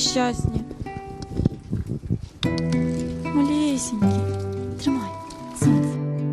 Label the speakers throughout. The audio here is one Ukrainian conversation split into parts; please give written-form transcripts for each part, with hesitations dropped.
Speaker 1: нещасні. Малесенькі. Тримай, сонце.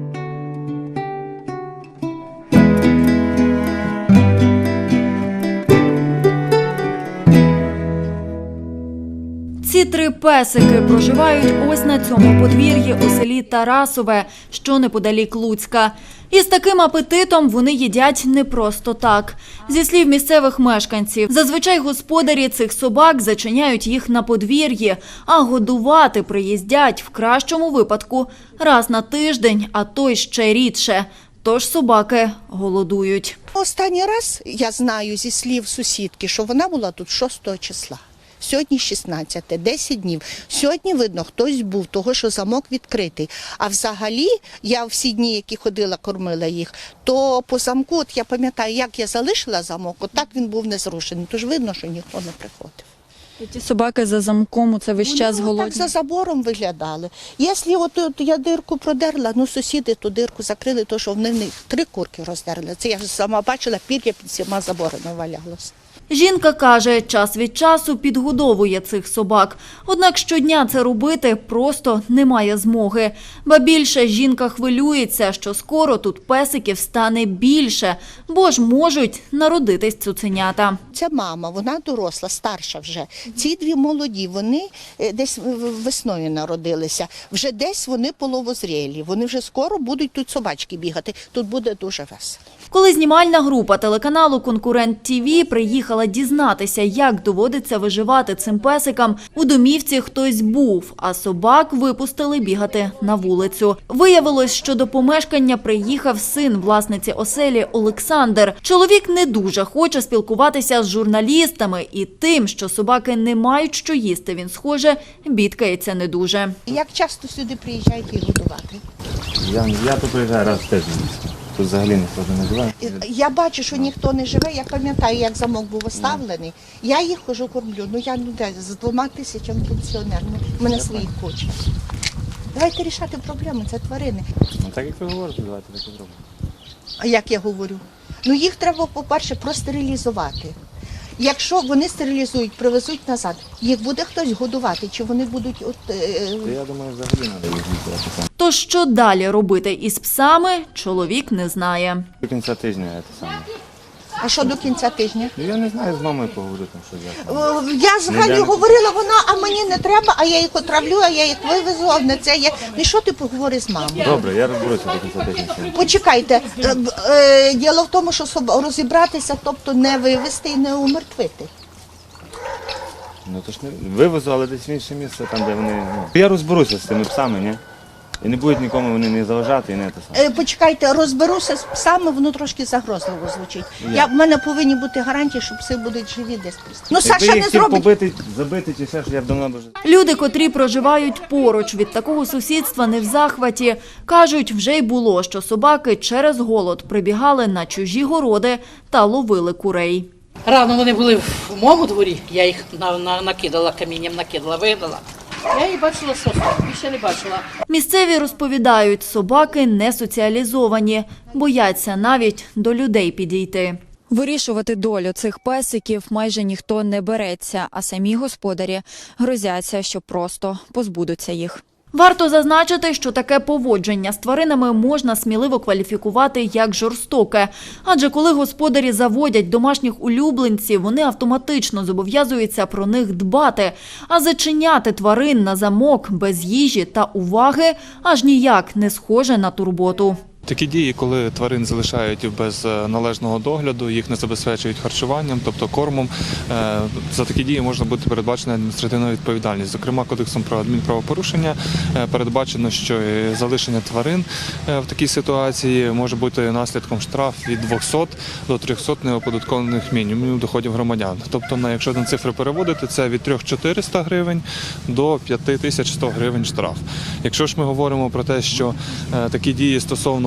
Speaker 1: Ці 3 песики проживають ось на цьому подвір'ї у селі Тарасове, що неподалік Луцька. І з таким апетитом вони їдять не просто так. Зі слів місцевих мешканців, зазвичай господарі цих собак зачиняють їх на подвір'ї, а годувати приїздять в кращому випадку раз на тиждень, а то й ще рідше. Тож собаки голодують.
Speaker 2: Останній раз я знаю зі слів сусідки, що вона була тут 6 числа. Сьогодні 16, 10 днів. Сьогодні, видно, хтось був, того, що замок відкритий. А взагалі, я всі дні, які ходила, кормила їх, то по замку, от я пам'ятаю, як я залишила замок, от так він був не зрушений. Тож видно, що ніхто не приходив.
Speaker 1: Ті собаки за замком, це весь час
Speaker 2: Вони
Speaker 1: голодні.
Speaker 2: так за забором виглядали. Якщо от я дирку продерла, ну сусіди ту дирку закрили, то що в них 3 курки роздерли. Це я ж сама бачила, пір'я під всіма заборами валялося.
Speaker 1: Жінка каже, час від часу підгодовує цих собак. Однак щодня це робити просто немає змоги. Ба більше, жінка хвилюється, що скоро тут песиків стане більше, бо ж можуть народитись цуценята.
Speaker 2: Ця мама, вона доросла, старша вже. Ці 2 молоді, вони десь весною народилися. Вже десь вони половозрілі. Вони вже скоро будуть тут собачки бігати. Тут буде дуже весело.
Speaker 1: Коли знімальна група телеканалу «Конкурент ТІВІ» приїхала дізнатися, як доводиться виживати цим песикам, у домівці хтось був, а собак випустили бігати на вулицю. Виявилось, що до помешкання приїхав син власниці оселі Олександр. Чоловік не дуже хоче спілкуватися з журналістами і тим, що собаки не мають що їсти, він, схоже, бідкається не дуже.
Speaker 2: Як часто сюди приїжджають їх годувати?
Speaker 3: Я тут приїжджаю раз в тиждень. Тут взагалі ніхто не живе.
Speaker 2: Я бачу, що ніхто не живе. Я пам'ятаю, як замок був оставлений. Я їх хожу кормлю. Ну я з 2 тисячами пенсіонерами. У мене своїх куча. Давайте рішати проблеми, це тварини.
Speaker 3: Ну так як ви говорите, давайте так і зробимо.
Speaker 2: А як я говорю? Ну їх треба, по-перше, простерилізувати. Якщо вони стерилізують, привезуть назад, їх буде хтось годувати, чи вони будуть
Speaker 3: Я думаю, взагалі треба їх відбирати.
Speaker 1: То що далі робити із псами, чоловік не знає.
Speaker 3: До кінця тижня це саме.
Speaker 2: А що до кінця тижня?
Speaker 3: Ну я не знаю, з мамою поговорю там, що я.
Speaker 2: Я взагалі говорила, вона, а мені не треба, а я їх отравлю, а я їх вивезу, а не це є. Ну що ти поговори з мамою?
Speaker 3: Добре, я розберуся до кінця тижня.
Speaker 2: Почекайте, діло в тому, що розібратися, тобто не вивезти і не умертвити.
Speaker 3: Ну то ж не вивезу, але десь в інше місце, там де вони. Ну. Я розберуся з цими псами, ні? І не будуть нікому вони не заважати і не те саме.
Speaker 2: Почекайте, розберуся з псами, воно трошки загрозливо звучить. В мене повинні бути гарантії, що пси будуть живі десь. Ну, Саша
Speaker 3: Якби
Speaker 2: не
Speaker 3: їх хотів
Speaker 2: зробить.
Speaker 3: побити, забити чи все, що я б давно вже.
Speaker 1: Люди, котрі проживають поруч від такого сусідства, не в захваті. Кажуть, вже й було, що собаки через голод прибігали на чужі городи та ловили курей.
Speaker 4: Рано вони були в моєму дворі, я їх накидала камінням, вигнала. Я їх бачила сосну, більше не бачила.
Speaker 1: Місцеві розповідають, собаки не соціалізовані, бояться навіть до людей підійти. Вирішувати долю цих песиків майже ніхто не береться, а самі господарі грозяться, що просто позбудуться їх. Варто зазначити, що таке поводження з тваринами можна сміливо кваліфікувати як жорстоке. Адже коли господарі заводять домашніх улюбленців, вони автоматично зобов'язуються про них дбати. А зачиняти тварин на замок без їжі та уваги аж ніяк не схоже на турботу.
Speaker 5: Такі дії, коли тварин залишають без належного догляду, їх не забезпечують харчуванням, тобто кормом, за такі дії можна бути передбачена адміністративна відповідальність. Зокрема, Кодексом про адмінправопорушення передбачено, що залишення тварин в такій ситуації може бути наслідком штраф від 200 до 300 неоподаткованих мінімумів доходів громадян. Тобто, якщо на цифри переводити, це від 3400 гривень до 5100 гривень штраф. Якщо ж ми говоримо про те, що такі дії стосовно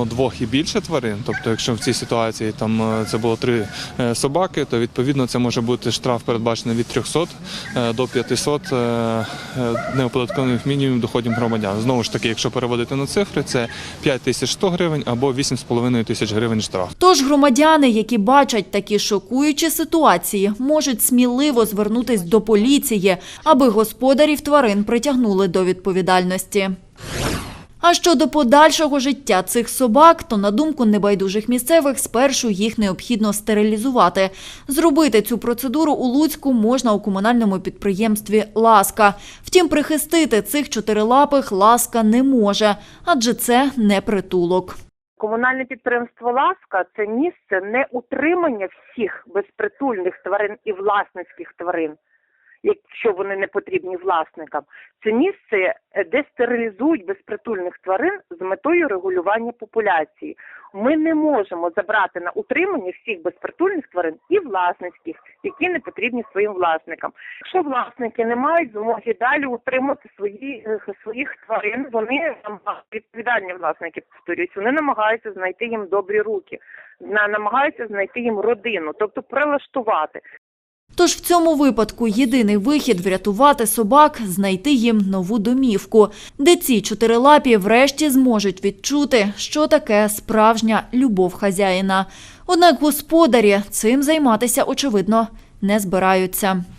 Speaker 5: 2 і більше тварин, тобто якщо в цій ситуації там це було 3 собаки, то відповідно це може бути штраф передбачений від 300 до 500 неоподаткованих мінімумів доходів громадян. Знову ж таки, якщо переводити на цифри, це 5100 гривень або 8,5 тисяч гривень штраф.
Speaker 1: Тож громадяни, які бачать такі шокуючі ситуації, можуть сміливо звернутись до поліції, аби господарів тварин притягнули до відповідальності. А щодо подальшого життя цих собак, то, на думку небайдужих місцевих, спершу їх необхідно стерилізувати. Зробити цю процедуру у Луцьку можна у комунальному підприємстві «Ласка». Втім, прихистити цих чотирилапих «Ласка» не може, адже це не притулок.
Speaker 6: Комунальне підприємство «Ласка» – це місце не утримання всіх безпритульних тварин і власницьких тварин, якщо вони не потрібні власникам. Це місце, де стерилізують безпритульних тварин з метою регулювання популяції. Ми не можемо забрати на утримання всіх безпритульних тварин і власницьких, які не потрібні своїм власникам. Якщо власники не мають змоги далі утримати своїх тварин, вони відповідальні власники, повторюють, вони намагаються знайти їм добрі руки, намагаються знайти їм родину, тобто прилаштувати.
Speaker 1: Тож в цьому випадку єдиний вихід – врятувати собак, знайти їм нову домівку, де ці чотирилапі врешті зможуть відчути, що таке справжня любов хазяїна. Однак господарі цим займатися, очевидно, не збираються.